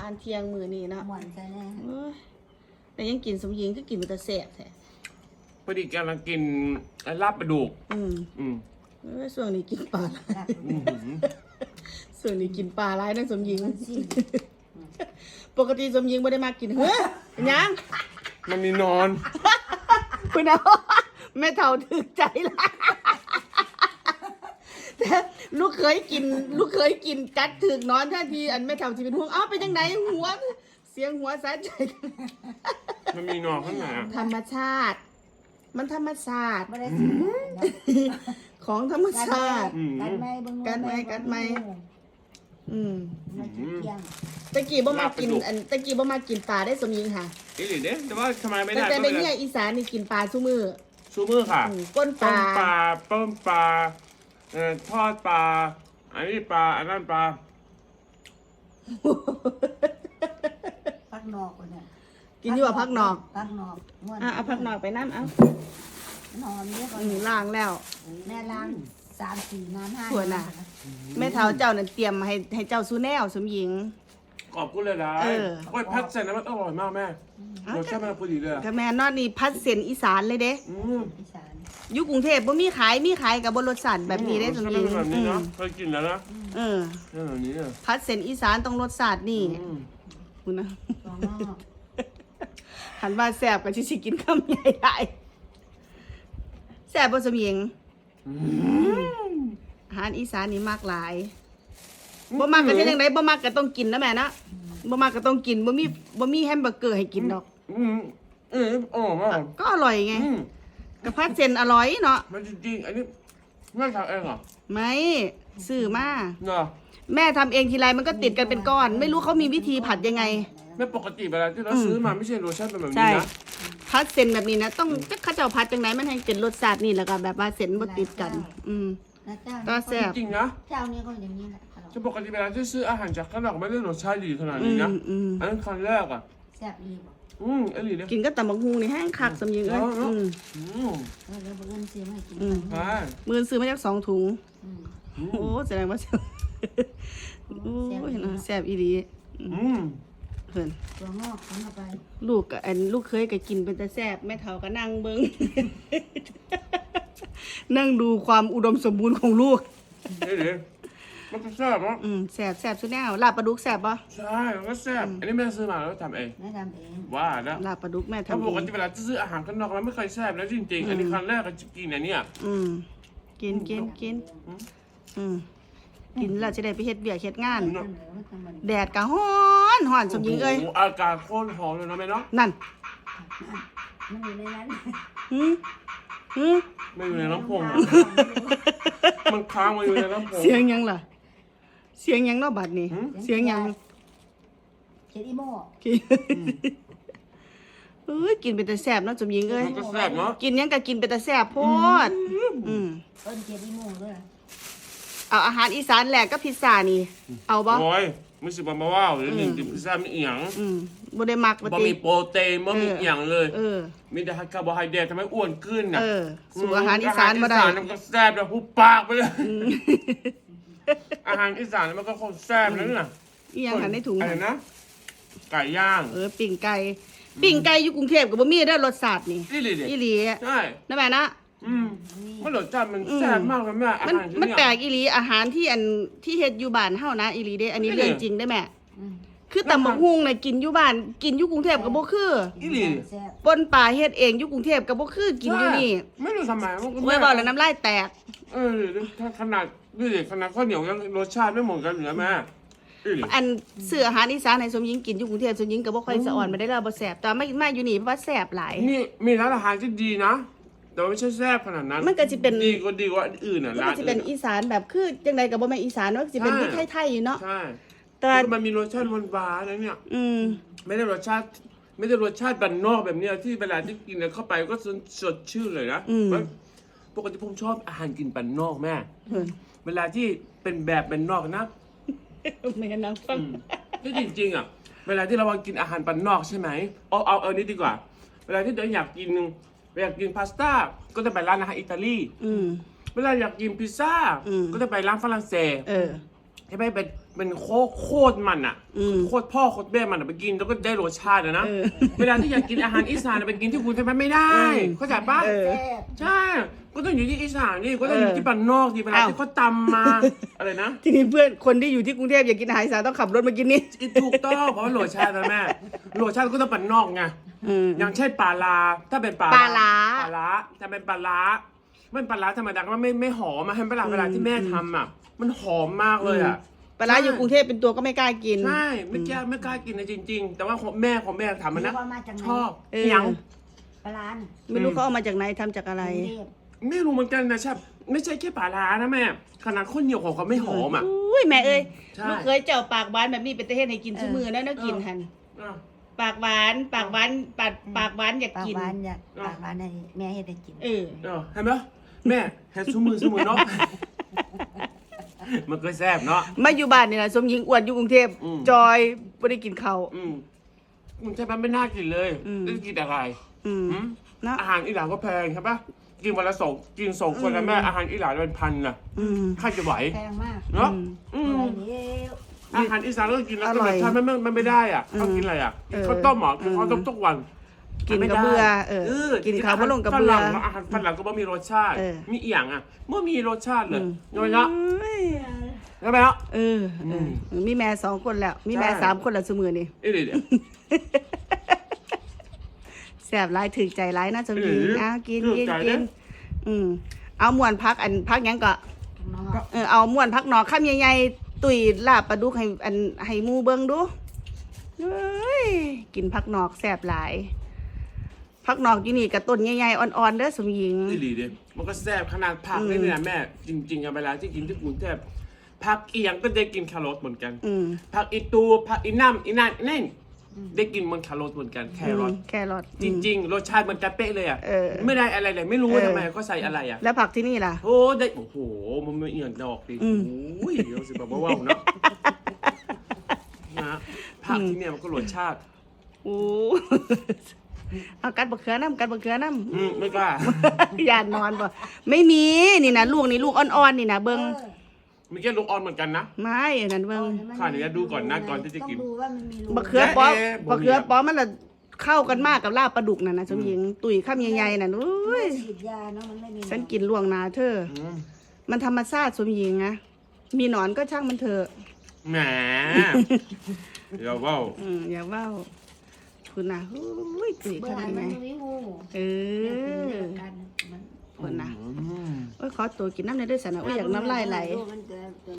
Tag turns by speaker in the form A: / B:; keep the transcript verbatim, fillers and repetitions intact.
A: ารเที่ยงมื้อนี้เนาะ
B: หวานใจแน่
A: เอ้ยแต่ยังกินสมหญิงก็กินมันจะแซ่บแท้
C: พอดีกำลังกินลาบปลาดุก
A: อืม
C: อืม
A: เอ้ยช่วงนี้กินปลา
B: ลาบ
C: อืม
A: ช่วงนี้กินปลาหลายนั่นสมหญิง
B: มันสิ้น
A: ปกติสมหญิงไม่ได้มากินเฮ้ยเป็นหยัง
C: มันมีนอน
A: คุณเอาแม่เท่าถึกใจละแต่ลูกเคยกิน ลูกเคยกินกัดถึกนอนท่าทีอันแม่เท่าที่เป็นห่วงอ้าวเป็นยังไงหัว เสียงหัวสะใจ
C: มันมีนอนข้างในอะ
A: ธรรมชาติ มันธรรมชาติ
B: ไม่ได้สิ้น
A: ของธรรมชาติ
B: กัดไหมเบิ่ง
A: กัดไหมกัดไหม อืม
B: มันกินเที่ยง
A: ตะกี้บ่มากินอันตะกี้บ่มากินปลาได้สมหญิงค่ะ
C: อีหลีเด้แต่ว่าทำไมไม่
A: แต่
C: ได้
A: แต่
C: ก็
A: ใน
C: ไม่
A: เนี่
C: ได้
A: ยอีสานนี่กินปลาซุมือ
C: ซูมือค่ะ
A: อืมก้นป
C: ต้
A: ลาม
C: ปลาต้มปลาเอ่อทอดปลาอันนี้ปลาอันนั้นปลา
B: พักนอกคนเนี่ย
A: กินอยู่ว่าพักนอก
B: พักนอกม่วน
A: อ่ะเอาพักนอกไปน้ำเอา
B: นอนเยอะกว่า
A: อืมล้างแล้ว
B: แม่ล้างสามสี่น้ำห้า
A: สวยน่ะ แม่เท้าเจ้านั่นเตรียมให้ให้เจ้าซูแนวสมหญิง
C: ขอบคุณเลยนะ
A: เออ
C: โอ้ยพัดใส่น้ำมันอร่อยมากแม่รสชาติมันพอดีเลยอะ
A: ก็แม่นอดนี่พัดเส้นอีสานเลยเด้
C: อืม
B: อีสาน
A: อยู่กรุงเทพบ่มีขายมีขายกับบนรสสันแบบนี้ได้สมหญิง
C: รสชาติมันแบบ
A: อื
C: นี้
A: ม
C: นะเคยกินแล้วนะ
A: เออ
C: เออแบบนี้อะ
A: พัดเส้นอีสานต้องรสชาตินี่
C: อืม
A: คุณนะ
B: ตัวงอก
A: หันว่าแซ่บก็สิสิกินคำใหญ่หลายแซ่บบ่สมหญิง
C: อืม
A: อาหารอีสานนี่มากหลายบ่มากก็เฮ็ดจังไดบ่มากก็ต้องกินนะแม่นะบ่มากก็ต้องกินบ่มีบ่มีแฮมเบอร์เกอร์ให้กินดอก
C: อืมอืมอร่อยมาก
A: ก็อร่อยไง
C: อืม
A: กระพัดเส้นอร่อยเนาะ
C: มันจริงๆอันนี้แม่ทำเองเหรอ
A: ไม่ซื้อมา
C: เนาะ
A: แม่ทำเองทีไรมันก็ติดกันเป็นก้อน ไม่รู้เขามีวิธีผัดยังไง
C: แม่ปกติเวลาที่เราซื้อมาไม่ใช่รสชาติเป็นแบบ
A: ใช่
C: นี้นะ
A: พัดเส้นแบบนี้นะต้องจะข้าเจ้าพัดจังไหนมันให้เป็นรสชาตินี่แล้วก็แบบว่าเส้นบ่ติดกัน อืม
B: นะเจ้า
A: ก็แซ่บ
C: จริงๆนะ
B: เจ้าเนี่ยก็อย่างนี้แหละตลอด
C: จะปกติเวลาที่ซื้ออาหารจากข้างนอกไม่ได้รสชาติดีขนาด
A: อื
C: นี้
A: ม
C: นะ
A: อืม
C: อันนั้นครั้งแรกอ่ะ
B: แซ่บอีก
C: อืมอร่อยเลย
A: กินก็ตำบักฮูนี่แห้งคักสำยิงเอ้ย
C: เอาเนอะ
A: อืม
C: อืม
B: เออแล้วเพื่อนซื้อมาให้กิน
A: อืม
C: ใช่
A: มือซื้อมาจากสองถุง
B: อืม
C: อื
A: โอ้
C: ม
A: แสดงว่าแซ่บโอ้ยนะแซ่บอีหลี
C: อืม
A: เพิ่น
B: ตัวงอกทำเข้าไป
A: ลูกกับอันลูกเคยก็กินเป็นแต่แซ่บแม่เฒ่าก็นั่งเบิ่ง นั่งดูความอุดมสมบูรณ์ของลูก
C: นี่ดิมันก็แซ่บเนาะ
A: อืมแซ่บแซ่บสุดแนวลาบปลาดุกแซ่บปะ
C: ใช่มันก็แซ่บอันนี้แม่ซื้อมาแล้วทำเอง
B: แม่ทำเอง
C: ว่าแล้ว
A: ลาบปลาดุกแม่
C: ถ้า
A: ทำ
C: ป
A: เอก ง
C: ติเวลาจะซื้ออาหารข้างนอกแล้วไม่เคยแซ่บแล้วจริงๆ อันนี้ครั้งแรกก็จะกินอันเนี้ย
A: อืมกินกินกินอืมกินแล้วจะได้ไปเฮ็ดเบียกเฮ็ดงาน
B: เสนอว่าทำมัน
A: แดดก็ฮ้อนฮ้อนสมหญิงเอ้ย
C: โโหอากาศโคตรหอมเลยนะแม่เนาะ
A: นั่น
B: มันอยู่ในนั้น
A: หืมหืม
C: ไม่อยู่ในน้ำพงอะมันค้างมาอยู่ในน้ำพง
A: เสียงหยังล่ะ เสียงหยังเนาะบัดนี้
C: หืม
A: เสียงหยัง
B: เขียนอีโม่
A: กินเอ้ยกินเป็นแต่แซ่บเนาะสมหญิงเอ้ย
C: มันก็แซ่บเนาะ
A: กินหยังก็กินเป็นแต่แซ่บโพดอืม
B: เอิ้นเขียนอีโม่ด้วย
A: เอาอาหารอีสานแหลกกับพิซซ่านี่ เอาบ่
C: โอ้ยไม่สิบมาว่าวหรือหนึ่งติ่มพิซซ่าไม่เอียง
A: อืมบ่ได้มักบ่
C: บ่
A: ติ
C: มีโปรตีนบ่มีเอียงเลย
A: เออ
C: มีแต่คาร์โบไฮเดรตทำให้อ้วนขึ้นน่ะ
A: เออสู่อาหารอีสานบ่ได้
C: อาหารอีสานมันก็แซ่บแล้วหุบปากไปเลยอาหารอีสานมันก็คงแซ่บแล้วน่ะ
A: อีหยังหันในถุง
C: อะไร
A: หั่น
C: นะไก่ย่าง
A: เออปิ่งไก่ปิ่งไก่อยู่กรุงเทพก็บ่มีเด้อรสชาตินี่
C: นี่เลยดิ
A: อีหลี
C: ใช่
A: นะแม่นะ
C: อืมมันรสชาติมันแซ่บมากเลยแม่อา
A: มัน
C: หารที่
A: มัน
C: เนี่ย
A: แปลกอีหลีอาหารที่อันที่เฮ็ดอยู่บ้านเฮานะอีหลีเด้อันนี้
C: นี่
A: เรื่องจริงได้แม่
B: อืม
A: คือตำบักหุ่งน่ะกินอยู่บ้านกินอยู่กรุงเทพก็บ่คือ
C: อีหลี
B: แซ่บ
A: ปนป่าเฮ็ดเองอยู่กรุงเทพก็บ่คือกินอยู่นี่
C: ใช่ไม่รู้ทำไมมันก็
A: ไว้บอกแล้วน้ำลายแตก
C: เออถ้าขนาดนี่ดิขนาดข้าวเหนียวยังรสชาติไม่เหมือนกันอยู่นะแม่อีหลี
A: อันซื้ออาหารอีสานให้สมหญิงกินอยู่กรุงเทพสมหญิงก็บ่ค่อยสะอ่อนมาได้แล้วบ่แซ่บแต่มามาอยู่นี่เพราะว่าแซ่บหลาย
C: นี่มีร้านอาหารที่ดีนะ แต่ว่าไม่ใช่แซ่บขนาดนั้น
A: มันก็สิเป็น
C: ดีกว่าดีกว่าอื่นอ่ะ
A: มัน
C: ร้า
A: ก็
C: น
A: สิเป็น
C: อื่น
A: อีสานแบบคือจังไดก็บ่แม่นอีสานว่าสิเป็นที่ไทยๆอยู่เนาะ
C: ใช่
A: แต่
C: แล้วมันมีรสชาติหวานๆนะเนี่ย
A: อืม
C: ไม่ได้รสชาติไม่ได้รสชาติบ้านนอกแบบเนี้ยที่เวลาที่กินเข้าไปก็สดชื่นเลยนะปกติผมชอบอาหารกินบ้านนอกแม่
A: เพิ่น
C: เวลาที่เป็นแบบบ้านนอกนะ
A: แม่นางฟัง
C: ก็จริงๆอ่ะ เวลาที่เรากินอาหารบ้านนอกใช่ไหมเอาเอาเอานี้ดีกว่า เวลาที่เราอยากกินอยากกินพาสต้าก็จะไปร้านอาหารอิตาลี
A: อืม
C: เวลาอยากกินพิซซ่า
A: อืม
C: ก็จะไปร้านฝรั่งเศส
A: เออ
C: ใช่ไหมเป็นเป็นโคตรโคตรมันอ่ะ
A: อืม
C: โคตรพ่อโคตรแม่มันอะไปกินแล้วก็ได้รสชาติอะนะ
A: เออ
C: เวลาที่อยากกินอาหารอีสานอะไปกินที่กรุงเทพมันไม่ได้
A: อืม
C: เข้าใจปะ
A: เออ
B: แซ่บ
C: ใช่ก็ต้องอยู่ที่อีสานนี่ก็ต้องอยู่ที่บ้านนอกดิเวลา
A: อ้าว
C: ที่เขาตำมาอะไรนะ
A: ทีนี้เพื่อนคนที่อยู่ที่กรุงเทพอยากกินอาหารอีสานต้องขับรถมากินนี่
C: ถูกต้องเพราะว่ารสชาตินะแม่รสชาติก็ต้องบ้านนอกไง
A: อืม
C: อย่างเช่นปลาลาถ้าเป็นปลา
A: ปลาร้า
C: ปลาร้าถ้าเป็นปลาร้ามันปลาร้าธรรมดาก็ไม่ไม่หอมมาให้เวลาเวลาที่แม่ทำอ่ะมันหอมมากเลยอ่ะ
A: ปลาร้าอยู่กรุงเทพเป็นตัวก็ไม่กล้ากิน
C: ใช่ไม่กล้าไม่กล้ากินนะจริง ๆ แต่ว่าของแม่ของแม่ทำมันนะ
B: รู้ว่ามาจากไหน
C: ชอบ
A: เออ
C: ยัง
B: ปลาร้าน่ะ
A: ไม่รู้เขาเอามาจากไหนทำจากอะไร
B: กรุงเทพ
C: ไม่รู้เหมือนกันนะชอบไม่ใช่แค่ปลาร้านะแม่ขนาดข้นเหนียวของเขาไม่หอมอ่ะ
A: อุ้ยแม่เอ้ย
C: ใช่
A: ลูกเคยเจ้าปากหวานแบบนี้เป็นตะเฮ็ดให้กินซุมือแล้วเนาะกินหัน
C: อ่ะ
A: ปากหวานปากหวานปากปากหวานอยาก
B: ปาก
A: กิน
B: หวานอยาก
C: อ่ะ
B: ปากหวานให้แม่เฮ็ดให้กิน
A: เออ
C: เออเห็นไหมแม่เห็นซูมือซูมือเนาะ มันก็แซ่บเนาะ
A: มาอยู่บ้านนี่แหละสมหญิงอ้วนอยู่กรุงเทพ
C: อืม
A: จอยไม่ได้กินข้าว
C: อืมมันใช่ปะไม่น่ากินเลย
A: อืม
C: จะกินอะไร
A: อืม
C: อืม
A: เนาะ
C: อาหารอีหร่านก็แพงใช่ปะกินวันละสองกินสองคนแล้วแม่อาหารอีหร่านเป็นพันน่ะ
A: อืม
C: ใครจะไหว
B: แพงมาก
C: เนาะ
A: อืม
C: อืม
B: อะไรเดียว
C: อาหารอีสานก็กินแล้ว
A: อ
C: ก็
A: ร่
C: ร
A: อย
C: สชาติมันมันมันไม่ได้อ่ะ
A: อืม
C: ต้องกินอะไรอ่ะกิน
A: เออ
C: ข้าวต้มเหรอกิน
A: เออ
C: ข้าวต้มทุกวัน
A: กิน
C: ไม่
A: กับ
C: ได้
A: เบื่อเออกินข้าวบ่ลงกับเบื่อ
C: ฝรั่งอาหารฝรั่งก็บ่มีรสชาติ
A: เออ
C: มีอีหยังอ่ะเมื่อมีรสชาติเลย
A: อืม
C: น้อยละ
A: เอ้ย
C: ใช่ไหมเนาะ
A: เออเอออมีแม่สองคนแล้ว มีแม่
C: ใช่
A: สามคนแล้วสมือนี่
C: เอ้ยเดี๋ยว
A: แซ่บหลายถึกใจหลายนะสมหญิง
C: เออ
A: เอากิน
C: ถึก
A: กิน
C: ใจ
A: กิน
C: นะ
A: อืมเอาม่วนพักอันพักหยังก็
B: ข้างนอก
A: เออเอาม่วนพักหนอกข้ามใหญ่ๆตุยลาบปลาดุกให้อันให้หมูเบิ่งดูเอ้ยกินพักหนอกแซ่บหลาย พักหนอกอยู่นี่กับต้นใหญ่ๆอ่อนๆเด้อสมหญิง
C: นี่ดีดิมันก็แซ่บขนาดผักนี่เนี่ยแม่ จริงๆอะเวลาที่กินที่กรุงเทพผักเอียงก็ได้กินแครอทเหมือนกัน
A: อืม
C: ผักอีตูผักอีน้ำอีนั่นนี่ได้กินเหมันแครอทเหมือนกันแครอท
A: แครอท
C: จริง ๆ รสชาติมันจะเป๊ะเลยอ่ะ
A: เออ
C: ไม่ได้อะไรเลยไม่รู้
A: เออ
C: ทำไมก็ใส่อะไรอ่ะ
A: แล้วผักที่นี่ล่ะ
C: โอ้ได้โอ้โหมันไม่เอียงดอกดิ
A: อืม
C: โอ้ยเดี๋ยวสิแบบว่าวๆเนาะนะผักที่เนี่ยมันก็รสชาติ
A: โอ้ เอากัดบะเขือน้ำกัดบะเขือน้
C: อืมไม่กล้า
A: ำ ยานนอนบ่ไม่มีนี่นะลูกนี่ลูกอ่อนๆนี่นะเบิ้ง
B: เออ
C: มีแค่ลูกออนเหมือนกันนะ
A: ไม่อันนั้นเบิ้ง
C: ข้าเดี๋ยวดูก่อนนะก่อนที่จะกิน
B: ต้องดูว่ามันมีรู
A: บะเขือป้อม
C: แย่ๆบ่มี
A: บะเขือป้อมมันละเข้ากันมากกับลาบปลาดุกน่ะนะสมหญิงตุ๋ยข้ามใหญ่ๆน่ะอุ้
B: ไม่
A: ย
B: ฉีดยาเนาะมันไม่มี
A: ฉันกินล่วงหนาเธอ
C: อืม
A: มันธรรมชาติสมหญิงนะมีหนอนก็ช่างมันเถอะ
C: แหมเดี๋ยวว่าว
A: อืมอย่าเว้าคุณนะอุ้ยตุ๋ย
B: เบื่อ
A: ข้าม
B: มั
A: ให
B: น
A: ญ่
B: มีงู
A: ๆเอ
B: เอ
A: อ
B: อกันมัน
A: คุณนะ
C: อืม
A: โอ้ยขอตัวกินน้ำในอยด้วยสันนะโอ้ยอยากน้ำลายไหล
B: มันจะ